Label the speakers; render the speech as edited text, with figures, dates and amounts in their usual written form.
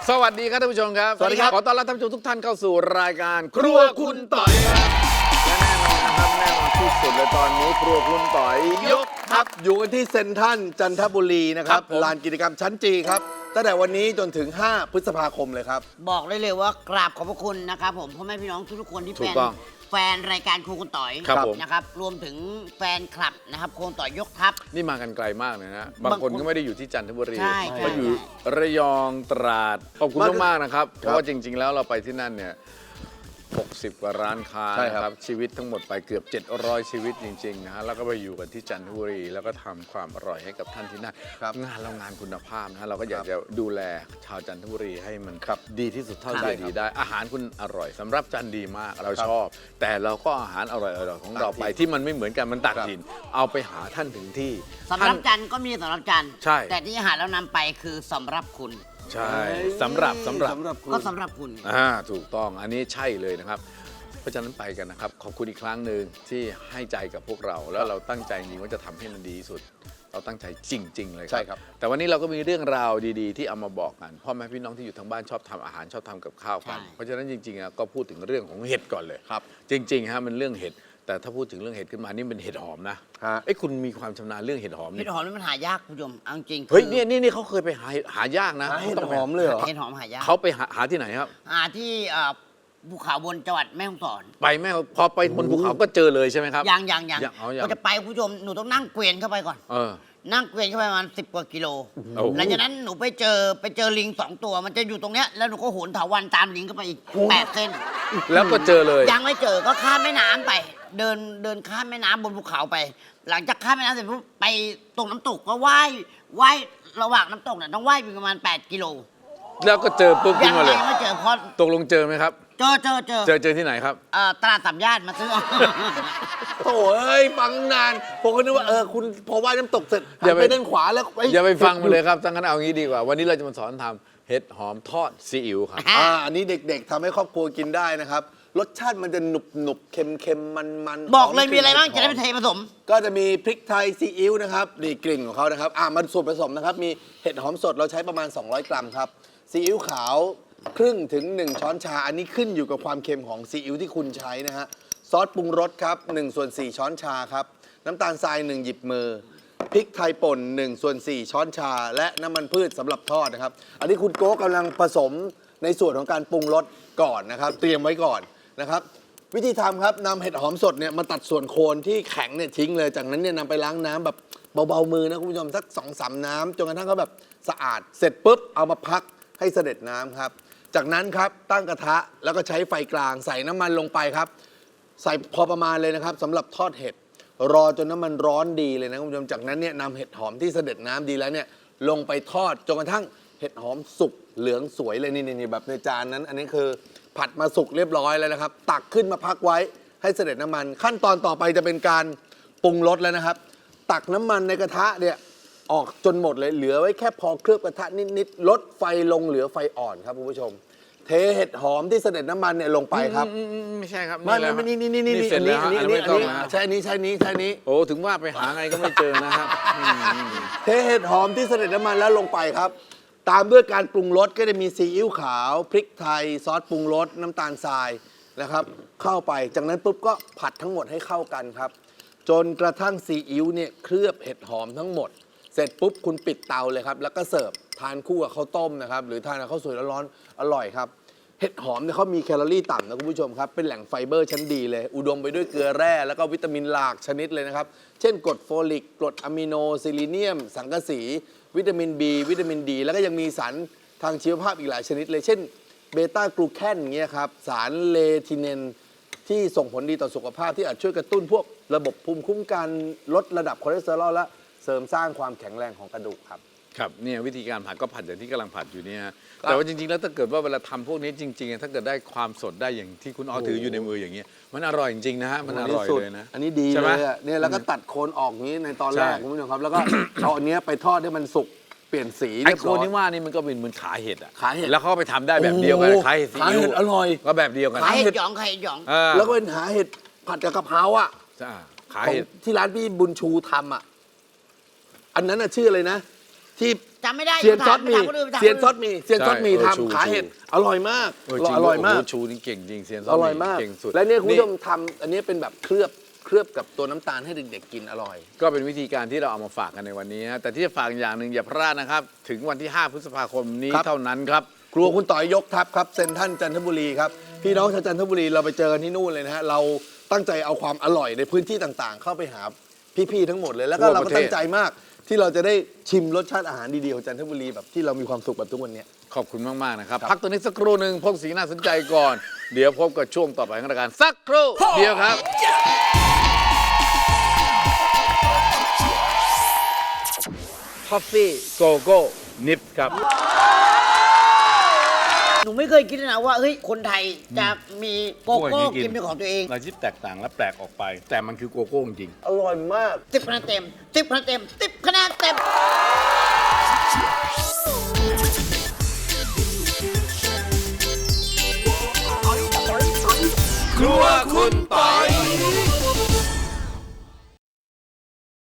Speaker 1: สวัสดีครับท่านผู้ชมครับ
Speaker 2: สวัสดีครับ
Speaker 1: ขอต้อนรับท่านผู้ชมทุกท่านเข้าสู่รายการครัวคุณต่อยครับและแน่นอนที่สุดเลยตอนนี้ครัวคุณต่อยยกทัพ
Speaker 2: อยู่กันที่เซ็นทรัลจันทบุรีนะครั
Speaker 1: ครับ บผม
Speaker 2: ลานกิจกรรมชั้นจีครับตั้งแต่วันนี้จนถึง 5 พฤษภาคมเลยครับ
Speaker 3: บอกได้เลยว่ากราบขอบพระคุณนะครับผมพ่อแม่พี่น้องทุกๆคนที่
Speaker 1: ถู
Speaker 3: เป็
Speaker 1: ก
Speaker 3: น
Speaker 1: ต้อง
Speaker 3: แฟนรายการครูคุณต่อย
Speaker 1: ครับผม
Speaker 3: นะครับรวมถึงแฟนคลับนะครับครูคุณต่อยยกทัพ
Speaker 1: นี่มากันไกลมากเลยนะบางคนก็ไม่ได้อยู่ที่จันทบุรี
Speaker 3: ใช่
Speaker 1: ก็อยู่
Speaker 3: ใช่
Speaker 1: ระยองตราดขอบคุณ
Speaker 2: มาก
Speaker 1: มากๆนะครับเพราะว่าจริง ๆ แล้วเราไปที่นั่นเนี่ย60 กว่าร้านค้า
Speaker 2: ใช่
Speaker 1: นะ
Speaker 2: ค
Speaker 1: ค
Speaker 2: รั
Speaker 1: รับ บชีวิตทั้งหมดไปเกือบ700ชีวิตจริงๆนะฮะแล้วก็ไปอยู่กันที่จันทบุรีแล้วก็ทำความอร่อยให้กับท่านที่นั่น
Speaker 2: ครับ
Speaker 1: งานเรางานคุณภาพนะฮะเราก็อยากจะดูแลชาวจันทบุรีให้มัน
Speaker 2: ครับ
Speaker 1: ดีที่สุดเท่า
Speaker 2: ใช่
Speaker 1: ที่
Speaker 2: ครับ
Speaker 1: ดีได้อาหารคุณอร่อยสำหรับจันดีมากเรา
Speaker 2: ครับ
Speaker 1: ชอบ แต่เราก็อาหารอร่อยๆของเราไปที่มันไม่เหมือนกันมันต่าง
Speaker 2: ครับ
Speaker 1: ถิ่นเอาไปหาท่านถึงที่
Speaker 3: สำหรับจันทร์ก็มีสำหรับจันทร์
Speaker 1: ใช่
Speaker 3: แต่ที่อาหารเรานำไปคือสำหรับคุณ
Speaker 1: ใช่สำหรับ
Speaker 2: คุณ
Speaker 3: ก็สำหรับคุณ
Speaker 1: ถูกต้องอันนี้ใช่เลยนะครับเพราะฉะนั้นไปกันนะครับขอบคุณอีกครั้งหนึ่งที่ให้ใจกับพวกเรา แล้วเราตั้งใจจริงว่าจะทำให้มันดีที่สุด เราตั้งใจจริง ๆ เลย
Speaker 2: ใช่ครับ
Speaker 1: แต่วันนี้เราก็มีเรื่องราวดีๆ ที่เอามาบอกกันพ่อแม่พี่น้องที่อยู่ทางบ้านชอบทำอาหารชอบทำกับข้าวกัน
Speaker 3: ใช่
Speaker 1: เพราะฉะนั้นจริงๆก็พูดถึงเรื่องของเห็ดก่อนเลย
Speaker 2: ครับ
Speaker 1: จริงๆฮะมันเรื่องเห็ดแต่ถ้าพูดถึงเรื่องเห็ดขึ้นมานี่เป็นเห็ดหอมนะ
Speaker 2: ฮะ
Speaker 1: เอ้ยคุณมีความชำนาญเรื่องเห็ดหอม
Speaker 3: เห็
Speaker 1: นี่
Speaker 3: ดหอมนี่มันหายากคุณผู้ชมเอาจริงๆ
Speaker 1: เฮ้ย
Speaker 3: คือ
Speaker 1: นี่เขาเคยไปหายากนะ
Speaker 2: หาเห็ด
Speaker 1: ต้องไป
Speaker 2: หอมเลยเหรอ
Speaker 3: เห็ดหอมหายาก
Speaker 1: เขาไปหาที่ไหนครับ
Speaker 3: หาที่ภูเขาบนจังหวัดแม่ฮ่องสอน
Speaker 1: ไปแม่พอไปบนภูเขาก็เจอเลยใช่ไหมครับ
Speaker 3: ยัง
Speaker 1: เอายัง
Speaker 3: ก็จะไปคุณผู้ชมหนูต้องนั่งเกวียนเข้าไปก่อน
Speaker 1: เออ
Speaker 3: นั่งเกวียนเข้าไปประมาณ10 กว่ากิโล
Speaker 1: โอ้โห
Speaker 3: หลังจากนั้นหนูไปเจอลิง 2 ตัว มันจะอยู่ตรงเนี้ยแล้วหนูก็โหนเถาวัลย์ตามลิงเข้าไปอีก8 เส้น
Speaker 1: แล้วก็เจอเลย
Speaker 3: ยังไม่เจอก็ข้ามแม่น้ำไป เดินข้ามแม่น้ำบนภูเขาไป หลังจากข้ามแม่น้ำเสร็จปุ๊บไปตรงน้ำตกก็ว่ายระหว่างน้ำตกเนี่ยต้องว่ายไปประมาณ8 กิโล
Speaker 1: แล้วก็เจอปุ๊บขึ้
Speaker 3: ยั
Speaker 1: น
Speaker 3: ง
Speaker 1: มา
Speaker 3: ไง
Speaker 1: เลย
Speaker 3: ไม่เจอเพราะ
Speaker 1: ตกลงเจอไหมครับ
Speaker 3: เจอ
Speaker 1: เจอที่ไหนครับ
Speaker 3: ตลาดสามย่านมาซื้อ
Speaker 2: โถ่เอ้ยฟังนานผมก็นึกว่าคุณพอว่ายน้ำตกเสร็จหั
Speaker 1: อย่าน ไป
Speaker 2: ไปด้านขวาแล้ว
Speaker 1: อย่าไปฟังมันเลยครับทั้งนั้นเอางี้ดีกว่า วันนี้เราจะมาสอนทำเห็ดหอมทอดซีอิ๊วครับ
Speaker 2: อันนี้เด็กๆทำให้ครอบครัวกินได้นะครับรสชาติมันจะหนุบๆเค็มๆมันๆ
Speaker 3: บอกเลย
Speaker 2: ห
Speaker 3: มีอะไรบ้าง
Speaker 2: ก
Speaker 3: จะ
Speaker 2: ลิ่น
Speaker 3: ได้ไปเทผสม
Speaker 2: ก็จะมีพริกไทยซีอิ๊วนะครับนี่กลิ่นของเขานะครับมันส่วนผสมนะครับมีเห็ดหอมสดเราใช้ประมาณ 200 กรัมครับซีอิ๊วขาวครึ่งถึง 1 ช้อนชา อันนี้ขึ้นอยู่กับความเค็มของซีอิ๊วที่คุณใช้นะฮะซอสปรุงรสครับ1/4 ช้อนชาครับน้ำตาลทราย1 หยิบมือพริกไทยป่น1/4 ช้อนชา และน้ำมันพืชสำหรับทอดนะครับอันนี้คุณโก้กำลังผสมในส่วนของการปรุงรสก่อนนะครับเตรียมไว้ก่อนนะครับวิธีทำครับนำเห็ดหอมสดเนี่ยมาตัดส่วนโคนที่แข็งเนี่ยทิ้งเลยจากนั้นเนี่ยนำไปล้างน้ำแบบเบาๆมือนะคุณผู้ชมสัก2-3 น้ำจนกระทั่งเขาแบบสะอาดเสร็จปุ๊บเอามาพักให้เสด็จน้ำครับจากนั้นครับตั้งกระทะแล้วก็ใช้ไฟกลางใส่น้ำมันลงไปครับใส่พอประมาณเลยนะครับสำหรับทอดเห็ดรอจนน้ำมันร้อนดีเลยนะคุณผู้ชมจากนั้นเนี่ยนำเห็ดหอมที่เสด็จน้ำดีแล้วเนี่ยลงไปทอดจนกระทั่งเห็ดหอมสุกเหลืองสวยเลยนี่แบบในจานนั้น อันนี้คือผัดมาสุกเรียบร้อยแล้วนะครับตักขึ้นมาพักไว้ให้เสด็จน้ำมันขั้นตอนต่อไปจะเป็นการปรุงรสแล้วนะครับ ตักน้ำมันในกระทะเนี่ยออกจนหมดเลยเหลือไว้แค่พอเคลือบกระทะนิดๆลดไฟลงเหลือไฟอ่อนครับคุณผู้ชม เทเห็ดหอมที่เสด็จน้ำมันเนี่ยลงไปครับ
Speaker 1: ไม่ใช่ครับ
Speaker 2: ไม่
Speaker 1: แล้ว
Speaker 2: ไม่นี่
Speaker 1: เสร็จแล้ว
Speaker 2: อันนี้
Speaker 1: ไม่ต้องนะ
Speaker 2: ใช่อันนี้
Speaker 1: โอ้ถึงว่าไปหาไงก็ไม่เจอนะครับอืม
Speaker 2: เทเห็ดหอมที่เสด็จน้ำมันแล้วลงไปครับ ตามด้วยการปรุงรสก็จะมีซีอิ๊วขาว พริกไทย ซอสปรุงรสน้ำตาลทรายนะครับ เข้าไปจากนั้นปุ๊บก็ผัดทั้งหมดให้เข้ากันครับ จนกระทั่งซีอิ๊วเนี่ยเคลือบเห็ดหอมทั้งหมด เสร็จปุ๊บคุณปิดเตาเลยครับ แล้วก็เสิร์ฟทานคู่กับข้าวต้มนะครับ หรือทานกับข้าวสวยร้อนๆอร่อยครับ เห็ดหอมเนี่ยเขามีแคลอรี่ต่ำนะคุณผู้ชมครับ เป็นแหล่งไฟเบอร์ชั้นดีเลย อุดมไปด้วยเกลือแร่แล้วก็วิตามินหลากชนิดเลยนะครับ เช่นกรดโฟลิกกรดอะมิโนซิลิเนียม สังกะสี วิตามิน B วิตามินดีแล้วก็ยังมีสารทางชีวภาพอีกหลายชนิดเลย เช่นเบต้ากลูแคนอย่างเงี้ยครับสารเลทิเนนที่ส่งผลดีต่อสุขภาพที่อาจช่วยกระตุ้นพวกระบบภูมิคุ้มกันลดระดับคอเลสเตอรอลและเสริมสร้างความแข็งแรงของกระดูกครับ
Speaker 1: ครับเนี่ยวิธีการผัดก็ผัดอย่างที่กำลังผัดอยู่เนี่ยฮะแต่ว่าจริงๆแล้วถ้าเกิดว่าเวลาทำพวกนี้จริงๆถ้าเกิดได้ความสดได้อย่างที่คุณถืออยู่ในมืออย่างเงี้ยมันอร่อยจริงๆนะฮะมันอร่อยเลยนะ
Speaker 2: อันนี้ดี
Speaker 1: ใช่ไห
Speaker 2: เล
Speaker 1: ม
Speaker 2: ยอะเนี่ยแล้วก็ตัดโคนออกอย่างนี้ในตอนแรก
Speaker 1: ใช่
Speaker 2: คุณผู้ชมครับ แล้วก็ เอาอันเนี้ยไปทอดให้มันสุกเปลี่ยนสี
Speaker 1: ไอ้
Speaker 2: เรียบ
Speaker 1: โค
Speaker 2: ร้
Speaker 1: น
Speaker 2: อย
Speaker 1: ที่ว่านี่มันก็เป็นเหมือนขาเห็ดอ่ะ
Speaker 2: ขาเห็ด
Speaker 1: แล้วเขาก็ไปทำได้แบบเดียวกัน
Speaker 2: โอ้โห
Speaker 1: ขาเห็ดซี
Speaker 2: ขา
Speaker 1: อิ๊
Speaker 2: เห็
Speaker 1: ว
Speaker 2: ดอร่อย
Speaker 1: ก็แบบเดียวกัน
Speaker 3: ไข่เห็ดหยองไข่เห็ดหยอง
Speaker 2: แล้วก็เป็นหาเห็ดผัดกับกะเพราอ่ะ
Speaker 1: จ้าขา
Speaker 2: ของ
Speaker 1: เห็ด
Speaker 2: ที่ร้านพี่บุญชูทำอ่ะอันนั้นน่ะชื่ออะไรนะ ที่
Speaker 3: จำไม่ได้
Speaker 2: เซียนซอสมี
Speaker 3: ถาคนอื่นถาม
Speaker 2: เซียน
Speaker 3: ค
Speaker 2: ซอ
Speaker 3: อื่
Speaker 2: สมีเซียนซอสมี
Speaker 1: ใช่ชู
Speaker 2: ทำขาเห็ดอร่อยมาก
Speaker 1: จริง
Speaker 2: อร่อยมาก
Speaker 1: โโหชูนี่เก่งจริงเซียนซอส
Speaker 2: อร่อยมาก
Speaker 1: เก่งสุด
Speaker 2: และเนี่ยคุณผู้ชมทำอันนี้เป็นแบบเคลือบกับตัวน้ำตาลให้เด็กๆกินอร่อย
Speaker 1: ก็เป็นวิธีการที่เราเอามาฝากกันในวันนี้นะแต่ที่จะฝากอย่างหนึ่งอย่าพลาดนะครับ ถึงวันที่ 5 พฤษภาคมนี้
Speaker 2: ครับ
Speaker 1: เท่านั้นครับ
Speaker 2: ครัวคุณต่อยยกทัพครับเซ็นทรัลจันทบุรีครับพี่น้องชาวจันทบุรีเราไปเจอกันที่นู่นเลยนะฮะเราตั้งใจเอาความอร่อยในพื้นที่ต่างๆ เข้าไปหาพี่ๆทั้งหมดเลยแล้วก็
Speaker 1: ทั่ว
Speaker 2: เรา
Speaker 1: ป
Speaker 2: ก็
Speaker 1: ระเทศ
Speaker 2: ตั้งใจมากที่เราจะได้ชิมรสชาติอาหารดีๆของจันทบุรีแบบที่เรามีความสุขแบบทุกวันเนี้ย
Speaker 1: ขอบคุณมาก ๆ นะครับ
Speaker 2: ครับ
Speaker 1: พักตัวนี้สักครู่หนึ่งพบสิ่งน่าสนใจก่อน เดี๋ยวพบกับช่วงต่อไปของรายการสักครู่เดียวครับ Coffee Go Go Nip ครับ
Speaker 3: หนูไม่เคยคิดเลยนะว่าเฮ้ยคนไทยจะมีโกโก้กินเป็นของตัวเอง
Speaker 1: เราที่แตกต่างและแปลกออกไป แต่มันคือโกโก้จริง
Speaker 2: อร่อยมาก
Speaker 3: 10 คะแนนเต็ม 10 คะแนนเต็ม 10 คะแนนเต็ม
Speaker 1: ครัวคุณปอย